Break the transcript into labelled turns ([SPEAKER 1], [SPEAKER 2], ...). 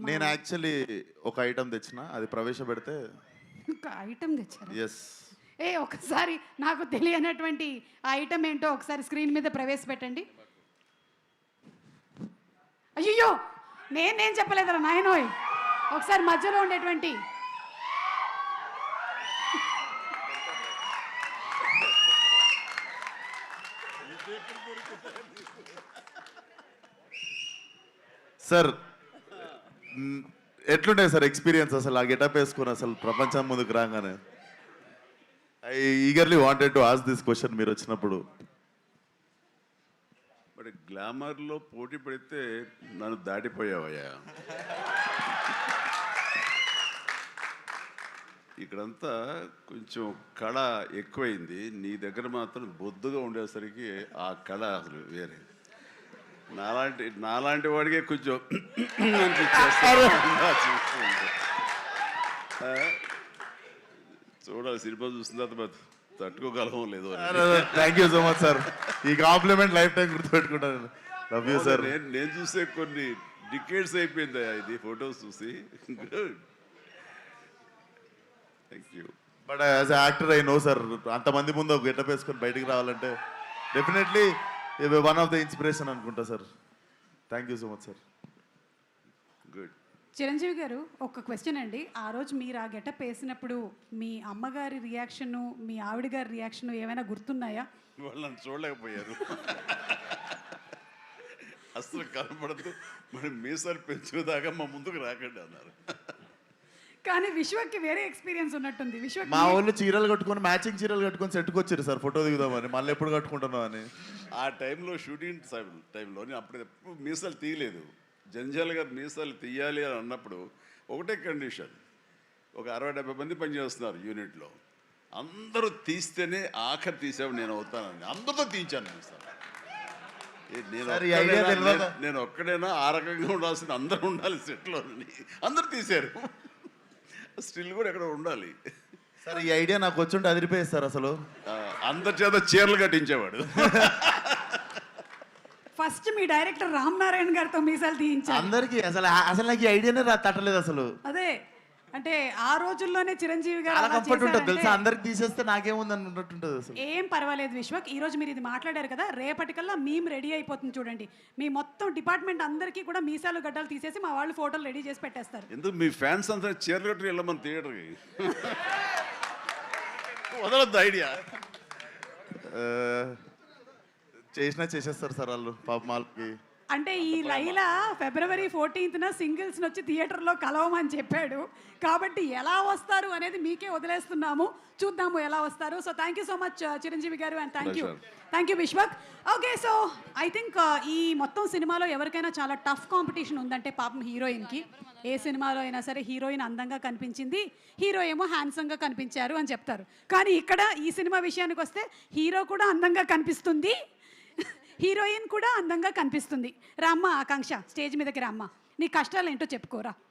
[SPEAKER 1] నేను యాక్చువల్లీ ఒక ఐటమ్ తెచ్చిన, అది ప్రవేశపెడితే
[SPEAKER 2] ఒక ఐటమ్ తెచ్చారు.
[SPEAKER 1] ఎస్.
[SPEAKER 2] ఒకసారి నాకు తెలియనటువంటి ఆ ఐటమ్ ఏంటో ఒకసారి స్క్రీన్ మీద ప్రవేశపెట్టండి. అయ్యో నేనేం చెప్పలేదురా నాయనోయ్. ఒకసారి మధ్యలో ఉండేటువంటి
[SPEAKER 1] సార్ ఎట్లుండే సార్ ఎక్స్పీరియన్స్ అసలు ఆ గెటప్ వేసుకొని అసలు ప్రపంచం ముందుకు రాగానే? I eagerly wanted to ask this question మీరు వచ్చినప్పుడు.
[SPEAKER 3] మరి గ్లామర్లో పోటీ పడితే నన్ను దాటిపోయావయ్యా. ఇక్కడంతా కొంచెం కళ ఎక్కువైంది, నీ దగ్గర మాత్రం బొద్దుగా ఉండేసరికి ఆ కళ అసలు వేరే. నాలాంటి వాడికే కొంచెం చూడాలి, సినిమా చూసిన తర్వాత తట్టుకోగలమో లేదో.
[SPEAKER 1] Thank you so much sir, ఈ కాంప్లిమెంట్ లైఫ్ టైం గుర్తుపెట్టుకుంటాను. Love you sir.
[SPEAKER 3] నేను చూసే కొన్ని డికేట్స్ అయిపోయింది ఇది ఫొటోస్ చూసి. Good, thank you.
[SPEAKER 1] But as actor I know sir, అంతమంది ముందు ఒక గెటప్ వేసుకొని బయటికి రావాలంటే definitely one of the inspiration అనుకుంటా సార్. Thank you so much sir.
[SPEAKER 3] Good.
[SPEAKER 2] Chiranjeevi garu, ఒక క్వశ్చన్ అండి. ఆ రోజు మీరు ఆ గెటప్ వేసినప్పుడు మీ అమ్మగారి రియాక్షను, మీ ఆవిడ గారి రియాక్షను ఏమైనా గుర్తున్నాయా?
[SPEAKER 3] వాళ్ళు నన్ను చూడలేకపోయారు. అసలు కనపడదు, మరి మీసాలు పెంచుదాకా మా ముందుకు రాకండి అన్నారు.
[SPEAKER 2] కానీ విశ్వక్కి వేరే ఎక్స్పీరియన్స్ ఉన్నట్టుంది. విశ్వక్
[SPEAKER 1] మా వాళ్ళు చీరలు కట్టుకొని మ్యాచింగ్ చీరలు కట్టుకొని సెట్కి వచ్చారు సార్ ఫోటో దిగుదామని. మళ్ళీ ఎప్పుడు కట్టుకుంటున్నావు అని.
[SPEAKER 3] ఆ టైంలో షూటింగ్ టైంలో నేను అప్పుడు ఎప్పుడు మీసాలు తీయలేదు. జంజాల్ గారు మీసాలు తీయాలి అని అన్నప్పుడు ఒకటే కండిషన్, ఒక 60-70 మంది పనిచేస్తున్నారు యూనిట్లో, అందరూ తీస్తేనే ఆఖరి తీసేవాడు నేను అవుతానని అందరితో తీయించాను మీసాలు. నేను ఒక్కడైనా ఆ రకంగా ఉండాల్సిన అందరూ ఉండాలి సెట్లో, అందరూ తీశారు. స్టిల్ కూడా ఎక్కడ ఉండాలి
[SPEAKER 1] సార్. ఈ ఐడియా నాకు వచ్చుంటే అదిరిపోయేది సార్. అసలు
[SPEAKER 3] అందరి చేత చీరలు కట్టించేవాడు.
[SPEAKER 2] ఫస్ట్ మీ డైరెక్టర్ రామ్ నారాయణ గారితో మీసాలు తీయించారు
[SPEAKER 1] అందరికి. అసలు నాకు ఈ ఐడియానే తట్టలేదు అసలు.
[SPEAKER 2] అదే అంటే ఆ రోజుల్లోనే చిరంజీవి గారు
[SPEAKER 1] చాలా
[SPEAKER 2] అలా
[SPEAKER 1] కంఫర్ట్ ఉంటుంది తెలుసా.
[SPEAKER 2] చేశారంటే
[SPEAKER 1] అందరికి తీసేస్తే నాకేముంది అన్నట్టుంటుంది అసలు.
[SPEAKER 2] ఏం పర్వాలేదు విశ్వక్. ఈ రోజు మీరు ఇది మాట్లాడారు కదా, రేపటికల్లా మేము రెడీ అయిపోతుంది చూడండి. మీ మొత్తం డిపార్ట్మెంట్ అందరికీ కూడా మీసాలు గడ్డలు తీసేసి మా వాళ్ళు ఫోటోలు రెడీ చేసి పెట్టేస్తారు.
[SPEAKER 3] ఎందుకు మీ ఫ్యాన్స్ అంతా చీరలు కట్టి వెళ్ళమని థియేటర్కి వదలొద్దు ఐడియా.
[SPEAKER 1] చేసేస్తారు సార్ వాళ్ళు పాపం వాళ్ళకి.
[SPEAKER 2] అంటే ఈ లైలా February 14th సింగిల్స్ వచ్చి థియేటర్లో కలవమని చెప్పాడు. కాబట్టి ఎలా వస్తారు అనేది మీకే వదిలేస్తున్నాము, చూద్దాము ఎలా వస్తారు. So thank you so much Chiranjeevi garu, and thank you Vishwak. Okay, so I think ఈ మొత్తం సినిమాలో ఎవరికైనా చాలా టఫ్ కాంపిటీషన్ ఉందంటే పాపం హీరోయిన్కి. ఏ సినిమాలో అయినా సరే హీరోయిన్ అందంగా కనిపించింది, హీరో ఏమో హ్యాండ్సమ్గా కనిపించారు అని చెప్తారు. కానీ ఇక్కడ ఈ సినిమా విషయానికి వస్తే హీరో కూడా అందంగా కనిపిస్తుంది, హీరోయిన్ కూడా అందంగా కనిపిస్తుంది. రామ్మ ఆకాంక్ష, స్టేజ్ మీదకి రామ్మ, నీ కష్టాలు ఏంటో చెప్పుకోరా.